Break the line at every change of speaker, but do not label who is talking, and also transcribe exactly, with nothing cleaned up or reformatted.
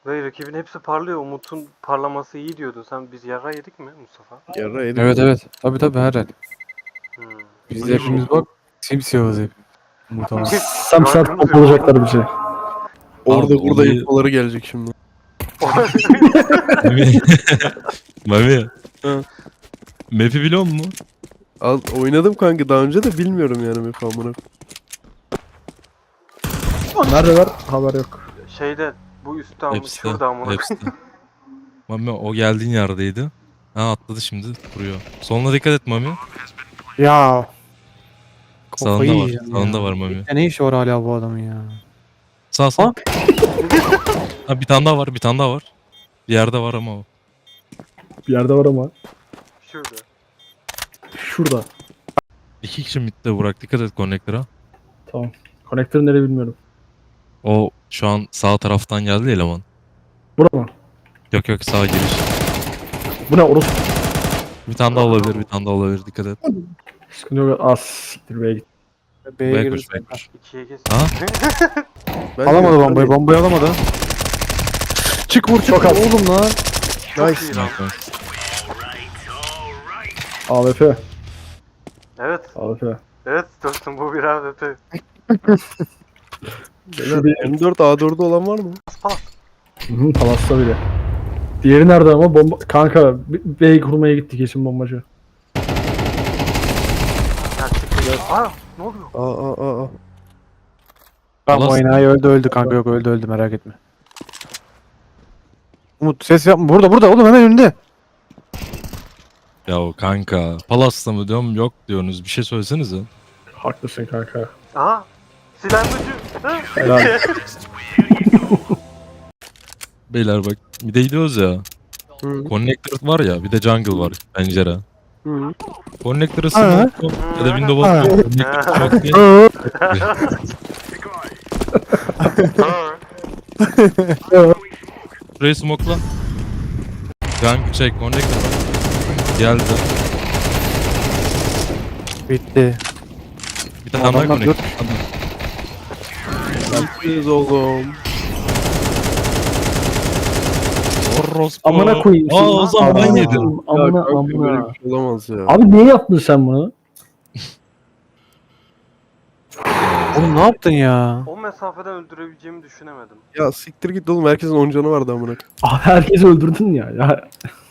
Ve rakibin hepsi parlıyor. Umut'un parlaması iyi diyordun. Sen biz yara yedik mi Mustafa?
Yara yedik.
Evet evet. Tabi tabi her el.
Hmm.
Biz de hepimiz bak simsiyahız hep. Muhtemelen.
Samsat
Gördünüz mü?
bulacaklar bizi.
Orada
Abi,
burada
olayı-
infoları gelecek şimdi.
Mami. Mami.
Hı.
Map'i biliyor musun?
Al, oynadım kanka daha önce de bilmiyorum yani map amına.
Nerede var? Haber yok.
Şeyde bu üstte ama
Hepsi.
şurada amına.
Hepsi. Mami o geldiğin yerdeydi. Ha atladı şimdi duruyor. Soluna dikkat et Mami.
Ya.
Sağında
Kafayı
var.
yiyeceğim
Sağında
ya.
var Mami.
Ya ne işi var hala bu adamın ya?
Sağ sağ.
Ha?
Ha bir tane daha var. Bir tane daha var. Bir yerde var ama o.
Bir yerde var ama.
Şurada.
Şurada.
İki kişi midde bırak. Dikkat et connector'a.
Tamam. Konektörü nereye bilmiyorum.
O şu an sağ taraftan geldi eleman.
Burada mı?
Yok yok sağ giriş.
Bu ne orası?
Bir tane daha olabilir. Bir tane daha olabilir. Dikkat et.
Sıkıntı yok. Az siktir B'ye git.
B'ye
B'ye
girdi.
koş B'ye koş.
İkiye geç.
Ha?
Bence
Alamadı
yok,
bombayı.
tabii.
Bombayı alamadı. Çık vur çık.
Çok az.
Oğlum lan.
Çok
Nice.
iyi lan.
A W P.
Evet.
A W P.
Evet dostum bu bir A W P.
Beyler, M dört A dört'ü olan var mı?
Palas.
Hı hı, Palas'ta bile. Diğeri nerede ama? Bomba... Kanka B- B'yi kurmaya gitti kesin bombacı.
Ya çıktı. Aa ne oluyor?
Aa aa aa.
Tamam
Alas-
oynağı öldü öldü kanka yok öldü öldü merak etme. Umut ses yapma. Burada burada oğlum hemen önünde.
Ya o kanka. Palas'ta mı diyorum yok diyorsunuz. Bir şey söylesenize.
Haklısın kanka.
Aha. Silahlıcı. Ha?
Helal.
Beyler bak bir de gidiyoruz ya.
Hı.
Connector var ya bir de jungle var pencere.
Hı.
Connector'ı
Ha.
smoke ya da window
Ha.
atıyor. Connector çok değil. Şurayı smoke'la. Jungle şey connector var. Geldi.
Bitti.
Bir tane daha
Adamlar
connector.
Biz oğlum.
Orospu.
Amına koyayım.
Aa o zaman ben
Amına
yedim.
koyayım,
Ya
Amına
kanka böyle
amına.
bir şey olamaz ya.
Abi niye yaptın sen bunu?
Oğlum ne yaptın ya?
O mesafeden öldürebileceğimi düşünemedim.
Ya siktir git oğlum herkesin on canı vardı amına.
Abi herkesi öldürdün ya. Ya